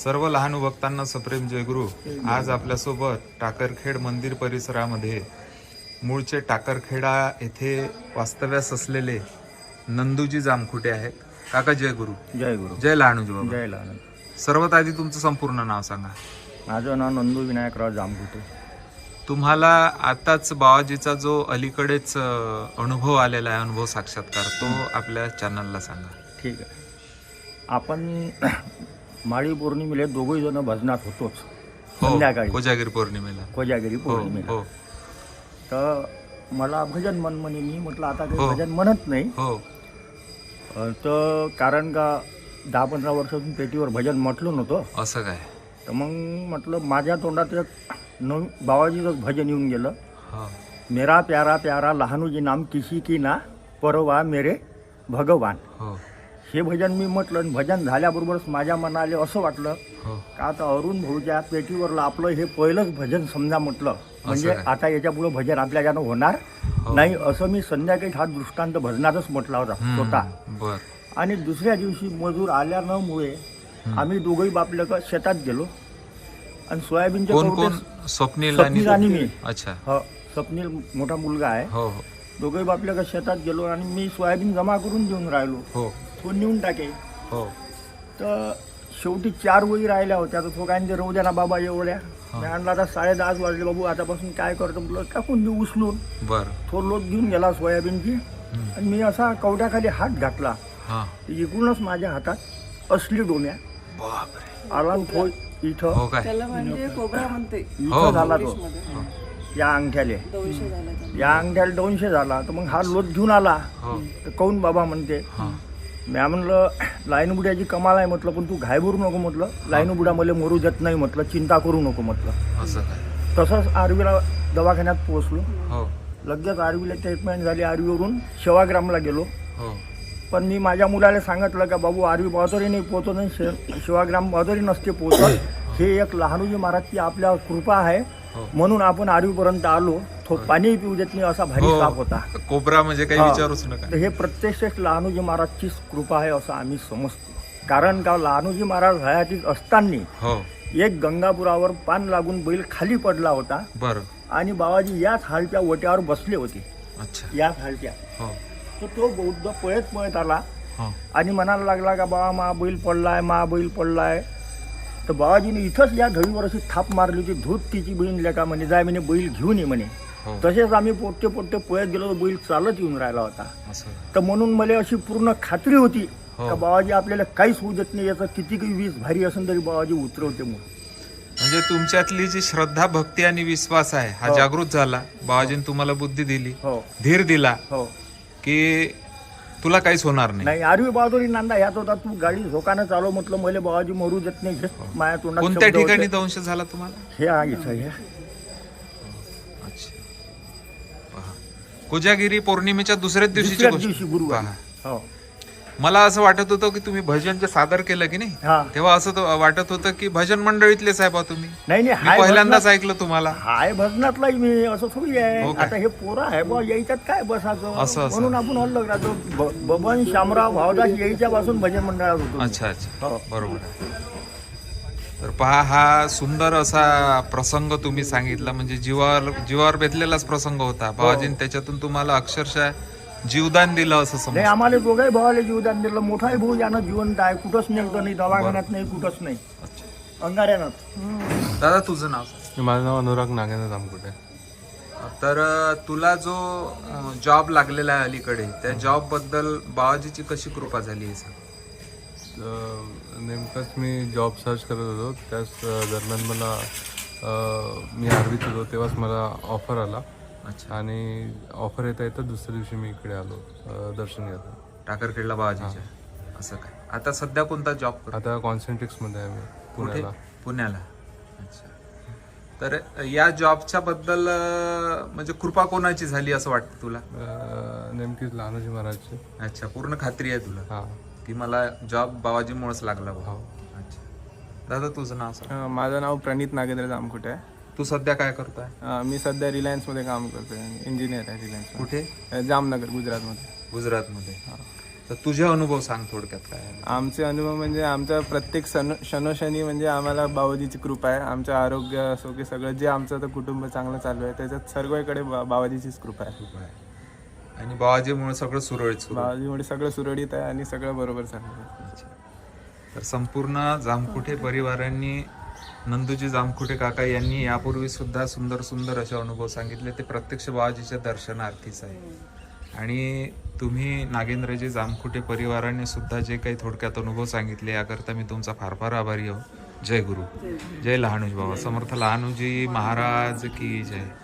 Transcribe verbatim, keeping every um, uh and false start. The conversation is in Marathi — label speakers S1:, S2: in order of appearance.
S1: सर्व लहान भक्तांना सप्रेम जयगुरु. आज आपल्यासोबत टाकरखेड मंदिर परिसरामध्ये मूळचे टाकरखेडा येथे वास्तव्यास असलेले नंदूजी जामखुटे आहेत. काका जयगुरु.
S2: जय गुरु.
S1: जय लहानूजी बाबा.
S2: जय लहान.
S1: सर्वात आधी तुमचं संपूर्ण नाव सांगा.
S2: माझं नाव नंदू विनायकराव जामखुटे.
S1: तुम्हाला आताच बाबाजीचा जो अलीकडेच अ, अनुभव आलेला आहे, अनुभव साक्षात्कार, तो आपल्या चॅनलला सांगा.
S2: ठीक आहे. आपण माळी पौर्णिमेला दोघही जण भजनात होतोच
S1: हो,
S2: संध्याकाळी
S1: कोजागिरी पौर्णिमेला.
S2: कोजागिरी
S1: हो
S2: पौर्णिमेला.
S1: हो
S2: तर मला भजन मन म्हणे. मी म्हटलं आता काही
S1: हो.
S2: भजन म्हणत नाही.
S1: हो
S2: अं, तर कारण का दहा पंधरा वर्षातून पेटीवर भजन म्हटलं नव्हतं.
S1: असं काय?
S2: तर मग म्हटलं माझ्या तोंडात एक नवीन बाबाजीचं भजन येऊन गेलं.
S1: हो
S2: मेरा प्यारा प्यारा लहानूजी नाम किसी की ना परवा मेरे भगवान.
S1: हो
S2: हे भजन मी म्हटलं आणि भजन झाल्याबरोबरच माझ्या मनाला असं वाटलं
S1: हो
S2: का आता अरुण भाऊच्या पेटीवरलं आपलं हे पहिलंच भजन समजा म्हटलं. म्हणजे
S1: काय?
S2: आता याच्यापुढं भजन आपल्या ज्यानं होणार
S1: हो.
S2: नाही असं मी संध्याकाळी हा दृष्टांत भजनातच म्हटला होता स्वतः.
S1: हम्म, बर.
S2: आणि दुसऱ्या दिवशी मजूर आल्यामुळे आम्ही दोघंही बापलं का शेतात गेलो आणि सोयाबीनचे
S1: कोण
S2: कवटे-
S1: कोण? स्वप्नील
S2: स्वप्नील आणि मी.
S1: अच्छा.
S2: हो, स्वप्नील मोठा मुलगा आहे.
S1: हो हो
S2: दोघंही बापल्या का शेतात गेलो आणि मी सोयाबीन जमा करून देऊन राहिलो.
S1: हो
S2: तो नेऊन टाके.
S1: हो
S2: तर शेवटी चार वही राहिल्या होत्या. तर तो काय म्हणते राहू द्या ना बाबा एवढ्या. मी आणला आता साडे दहाच वाजले. बाबू आतापासून काय करतो म्हटलं टाकून देऊ उचलून.
S1: बर.
S2: तो लोट घेऊन गेला सोयाबीनची आणि मी असा कवड्याखाली हात घातला.
S1: हा.
S2: इकडूनच माझ्या हातात असली डोम्या
S1: बापरे.
S2: आला आणि तो इथं
S1: हो काय?
S3: त्याला म्हणजे कोबरा म्हणते
S1: हो.
S2: इथं झाला तो.
S3: इंग्लिशमध्ये.
S2: या अंगठ्याले
S3: दोनशे झाला त्याला.
S2: या अंगठ्याला दोनशे झाला. तर मग हा लोट घेऊन आला.
S1: हो
S2: तर काऊन बाबा म्हणते.
S1: हा.
S2: मी म्हणलं लाईन बुड्याची कमाल आहे म्हटलं, पण तू घायभरू नको म्हटलं. लाईन बुडा मला मरू देत नाही म्हटलं. चिंता करू नको म्हटलं.
S1: असं काय?
S2: तसंच आरवीला दवाखान्यात पोहोचलो.
S1: हो
S2: लगेच आरवीला ट्रीटमेंट झाली. आरवीवरून सेवाग्रामला गेलो.
S1: हो
S2: पण मी माझ्या मुलाला सांगितलं का बाबू आरवी बहादरी नाही पोहोचत नाही, शे- सेवाग्राम बहादरी नसते पोहोचत. हे एक लहानूजी महाराजची आपल्या कृपा आहे
S1: हो.
S2: म्हणून आपण आरवीपर्यंत आलो. तो पाणी पिऊ देत नाही असा भारी
S1: हो.
S2: साप होता.
S1: कोबरा म्हणजे काही
S2: हा.
S1: विचारूच नका.
S2: तर हे प्रत्यक्ष लहानूजी महाराजचीच कृपा आहे असं आम्ही समजतो. कारण का लहानूजी महाराज हयातीत असताना
S1: हो
S2: एक गंगापुरावर पान लागून बैल खाली पडला होता
S1: बर.
S2: आणि बाबाजी याच हालच्या ओट्यावर बसले होते.
S1: अच्छा.
S2: याच हालच्या.
S1: हो
S2: तर तो बौद्ध पळत पळत आला
S1: हो
S2: आणि म्हणायला लागला का बाबा मा बैल पडलाय मा बैल पडलाय. तर बाबाजीने इथंच या धडीवर अशी थाप मारली होती. धूत तिची बहीण लेका म्हणे जाय म्हणे बैल घेऊन ये म्हणे.
S1: हो
S2: तसेच आम्ही पोटते पोटते पळत गेलो. तर बैल चालत येऊन राहिला होता.
S1: असं.
S2: तर म्हणून मला अशी पूर्ण खात्री होती
S1: हो.
S2: का बाबाजी आपल्याला काहीच होऊ देत नाही. याचं किती काही वीज भारी असेल तरी बाबाजी उतरवते म्हणून.
S1: म्हणजे तुमच्यातली जी श्रद्धा, भक्ती आणि विश्वास आहे हा
S2: हो.
S1: जागृत झाला. बाबाजीने तुम्हाला बुद्धी दिली,
S2: हो
S1: धीर दिला
S2: हो.
S1: की तुला काहीच होणार नाही.
S2: नाही आरवी बहादुरी नांदा ह्यात होता. तू गाडी झोकानं चालव म्हटलं मला बाबाजी मरू देत नाही. हेच माझ्या तोंडात
S1: कोणत्या
S2: शब्द
S1: ठिकाणी
S2: होते.
S1: दंश झाला तुम्हाला?
S2: हे आहे इथं हे.
S1: अच्छा. पहा. कोजागिरी पौर्णिमेच्या दुसऱ्याच दिवशीची
S2: दुसऱ्याच
S1: गोष्ट.
S2: दिवशी गुरुवार.
S1: पहा.
S2: हो
S1: मला असं वाटत होतं की तुम्ही भजन जे सादर केलं की नाही,
S2: हा.
S1: तेव्हा असं तो वाटत होतं की भजन मंडळीतले साहेब आहात तुम्ही.
S2: नाही नाही
S1: मी
S2: हाय
S1: पहिल्यांदाच
S2: भजनात-
S1: ऐकलं तुम्हाला.
S2: हाय भजनातलाही मी असं थोडी
S1: हो
S2: आहे.
S1: काय?
S2: आता हे पोरं आहे बा यायच्यात काय बसायचं
S1: असं, असं.
S2: म्हणून आपण अलग राहतो. ब- बबन शामराव भावदास यायच्या पासून भजन मंडळात होतो.
S1: अच्छा अच्छा.
S2: हो.
S1: बरोबर आहे. तर पहा, हा सुंदर असा प्रसंग तुम्ही सांगितला. म्हणजे जीवावर जीवावर बेतलेलाच प्रसंग होता. बाबाजीने त्याच्यातून तुम्हाला अक्षरशः जीवदान दिलं असं
S2: नाही
S1: समज.
S2: आम्हाला दोघाही भावाला जीवदान दिलं. मोठाही भाऊ यानं जिवंत आहे. कुठंच नेमकं नाही. दवाखान्यात नाही कुठंच नाही. अंगाऱ्यानं.
S1: दादा तुझं नाव सांग.
S4: माझं नाव अनुराग नागेंद्र जामकुटे.
S1: तर तुला जो जॉब लागलेला आहे अलीकडे, त्या जॉब बद्दल बाबाजीची कशी कृपा झाली आहे सांग.
S4: अं, नेमकंच मी जॉब सर्च करत होतो. त्याच दरम्यान मला अं, मी आर्वीत होतो तेव्हाच मला ऑफर आला.
S1: अच्छा.
S4: आणि ऑफर येता येतं दुसऱ्या दिवशी मी इकडे आलो अं, दर्शन घ्यायला.
S1: टाकरखेडला बाबाजीच्या. असं काय? आता सध्या कोणता जॉब करतो?
S4: आता कॉन्सेंट्रिक्समध्ये आहे मी
S1: कुठे?
S4: पुण्याला.
S1: पुण्याला. अच्छा. तर या जॉबच्या बद्दल अं, म्हणजे कृपा कोणाची झाली असं वाटतं तुला?
S4: अं, नेमकीच लहानोजी महाराजचे.
S1: अच्छा. पूर्ण खात्री आहे तुला
S4: हां
S1: की मला जॉब बाबाजीमुळेच लागला बा.
S4: हो.
S1: अच्छा. दादा तुझं नाव सांग.
S5: अ, माझं नाव प्रणित नागेंद्र जामकुटे आहे.
S1: तू सध्या काय करतोय?
S5: अ, मी सध्या रिलायन्समध्ये काम करतोय. इंजिनियर आहे रिलायन्स.
S1: कुठे?
S5: जामनगर गुजरातमध्ये.
S1: गुजरातमध्ये. तर तुझे अनुभव सांग थोडक्यात काय आहे.
S5: आमचे अनुभव म्हणजे आमच्या प्रत्येक सण क्षणोक्षणी म्हणजे आम्हाला बाबाजीची कृपा आहे. आमचं आरोग्य असो की सगळं जे आमचं आता कुटुंब चांगलं चालू आहे त्याच्यात सर्वकडे बा बाबाजीचीच कृपा आहे.
S1: आणि बाबाजीमुळे सगळं सुरळीत सुरू आहे.
S5: बाबाजीमुळे सगळं सुरळीत आहे आणि सगळं बरोबर चालू आहे.
S1: तर संपूर्ण जामकुटे परिवारांनी नंदूजी जामकुटे काका यांनी यापूर्वी सुद्धा सुंदर सुंदर असे अनुभव सांगितले. ते प्रत्यक्ष बाबाजीच्या दर्शनार्थीच आहे. आणि तुम्ही नागेंद्रजी जामकुटे परिवाराने सुद्धा जे काही थोडक्यात अनुभव सांगितले याकरता मी तुमचा फार फार आभारी आहो. जय गुरु, जय लहानूजी बाबा समर्थ लहानूजी महाराज की जय.